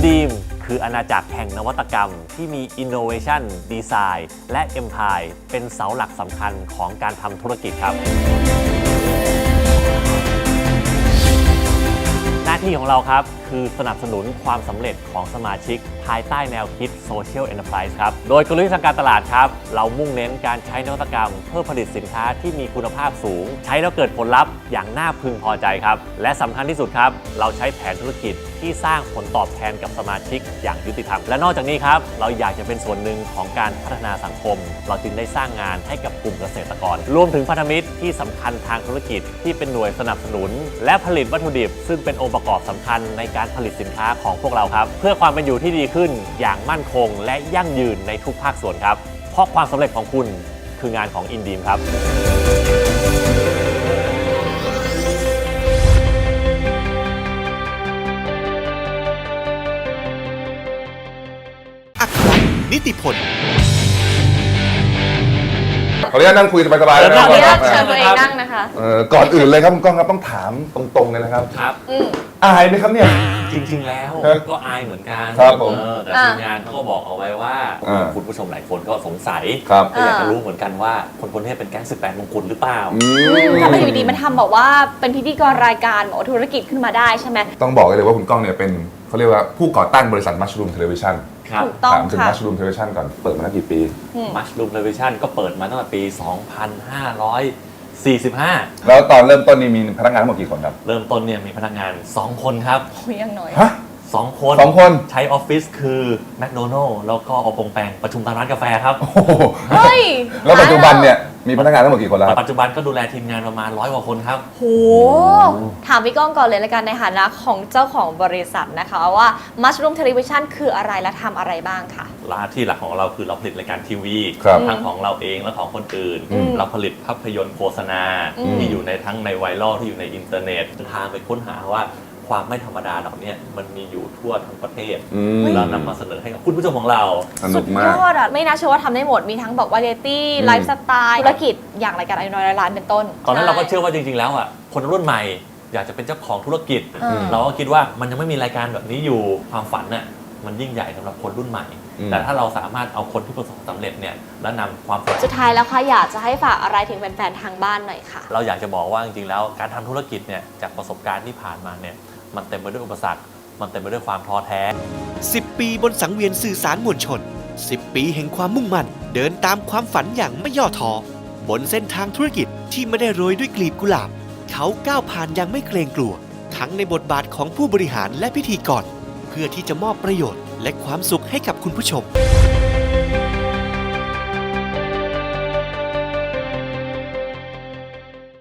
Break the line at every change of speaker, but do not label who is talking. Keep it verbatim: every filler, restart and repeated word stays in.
InDeem คืออาณาจักรแห่งนวัตกรรมที่มี Innovation Design และ Empire เป็นเสาหลักสำคัญของการทำธุรกิจครับหน้าที่ของเราครับคือสนับสนุนความสำเร็จของสมาชิกภายใต้แนวคิด Social Enterprise ครับโดยกลยุทธ์ทางการตลาดครับเรามุ่งเน้นการใช้นวัตกรรมเพื่อผลิตสินค้าที่มีคุณภาพสูงใช้แล้วเกิดผลลัพธ์อย่างน่าพึงพอใจครับและสำคัญที่สุดครับเราใช้แผนธุรกิจที่สร้างผลตอบแทนกับสมาชิกอย่างยุติธรรมและนอกจากนี้ครับเราอยากจะเป็นส่วนหนึ่งของการพัฒนาสังคมเราจึงได้สร้างงานให้กับกลุ่มเกษตรกรรวมถึงพันธมิตรที่สำคัญทางธุรกิจที่เป็นหน่วยสนับสนุนและผลิตวัตถุดิบซึ่งเป็นองค์ประกอบสำคัญในการผลิตสินค้าของพวกเราครับเพื่อความเป็นอยู่ที่ดีขึ้นอย่างมั่นคงและยั่งยืนในทุกภาคส่วนครับเพราะความสำเร็จของคุณคืองานของ InDeem ครับ
อัครนิติพล
ขออนุญาตนั่งคุยสบายๆนะครับ
ขออนุญาตเชิญตัวเองนั่งนะคะ
เอ่อก่อนอื่นเลยครับคุณก้องครับต้องถามตรงๆเลยนะครับ
ครับ
อืม
อายไหมครับเนี่ย
จริงๆแล้วก็อายเหมือนกัน
ครับผม
เออแต่ทีมงานเขาก็บอกเอาไว้ว่า
อ่า
คุณผู้ชมหลายคนก็สงสัย
ครับ
ก็อยากจะรู้เหมือนกันว่าคนคนนี้เป็นแก๊งสิบแปดมงกุฎหรือเปล่า
อืม
ทำไมอยู่ดีๆมันทำบอกว่าเป็นพิธีกรรายการบอกว่าธุรกิจขึ้นมาได้ใช่ไหม
ต้องบอกเลยว่าคุณก้องเนี่ยเป็นเขาเรียกว่าผู้ก่อตั้งบริษัท Mushroom Television
ครับ
ถูกต้อง
ถามถึง
ค่ะ
Mushroom Television ก่อนเปิดมาแล้วกี่ปี
Mushroom Television ก็เปิดมาตั้งแต่ปี สองพันห้าร้อยสี่สิบห้า
แล้วตอนเริ่มต้นนี่มีพนักงานทั้งหมดกี่คนครับ
เริ่มต้นเนี่ยมีพนักงาน สอง คนครับ
โอ้ยยังน้อย
ฮะ
สอง คน
สองคน
ใช้ออฟฟิศคือแมคโดนัลล์แล้วก็อปงแปงประชุมตามร้านกาแฟครับ
โอ้โห
เฮ้ย
แล้วปัจจุบันเนี่ยมีพนักงานทั้งหมดกี่คนแล้วครับ
ปัจจุบันก็ดูแลทีมงานประมาณร้อยกว่าคนครับ
โหถามพี่ก้องก่อนเลยละกันในฐานะของเจ้าของบริษัทนะคะว่า Mushroom Television คืออะไรและทำอะไรบ้างค่ะ
ร้านที่หลักของเราคือเราผลิตรายการทีวี
ครับ
ทั้งของเราเองและของคนอื่น
อืม
เราผลิตภาพยนตร์โฆษณา
อืม
ที่อยู่ในทั้งในไวรัลที่อยู่ในอินเทอร์เน็ตทางไปค้นหาว่าความไม่ธรรมดาเหล่านี้มันมีอยู่ทั่วทั้งประเทศ
อืม
เรานำมาเสนอให้กับคุณผู้ชมของเรา
สนุ
สุ
ก
ด
มาย ก
อดอ่ะ ไม่น่าเชื่อว่าทำได้หมด มีทั้งบอกวาไรตี้
อืม
ไลฟ์สไตล์ธุรกิจอย่างรายการไอ้น้อยร้อยล้านเป็นต้น
ตอนนั้นเราก็
ใ
เชื่อว่าจริงๆแล้วอ่ะคนรุ่นใหม่อยากจะเป็นเจ้าของธุรกิจ
อืม
เราก็คิดว่ามันยังไม่มีรายการแบบนี้อยู่ความฝันน่ะมันยิ่งใหญ่สำหรับคนรุ่นใหม่
อืม
แต่ถ้าเราสามารถเอาคนที่ประสบความสำเร็จเนี่ยแล้วนำความฝัน
สุดท้ายแล้วค่ะอยากจะให้ฝากอะไรถึงแฟนๆทางบ้านหน่อยค่ะ
เราอยากจะบอกว่าจริงๆแล้วการทำธุรกิจเนี่ยจากประสบการณ์ที่ผ่านมาเนี่ยมันเต็มไปด้วยอุปสรรคมันเต็มไปด้วยความท้อแท้
สิบ ปีบนสังเวียนสื่อสารมวลชน สิบ ปีแห่งความมุ่งมั่น เดินตามความฝันอย่างไม่ย่อท้อบนเส้นทางธุรกิจที่ไม่ได้โรยด้วยกลีบกุหลาบ เขาก้าวผ่านอย่างไม่เกรงกลัว ทั้งในบทบาทของผู้บริหารและพิธีกรเพื่อที่จะมอบประโยชน์และความสุขให้กับคุณผู้ชม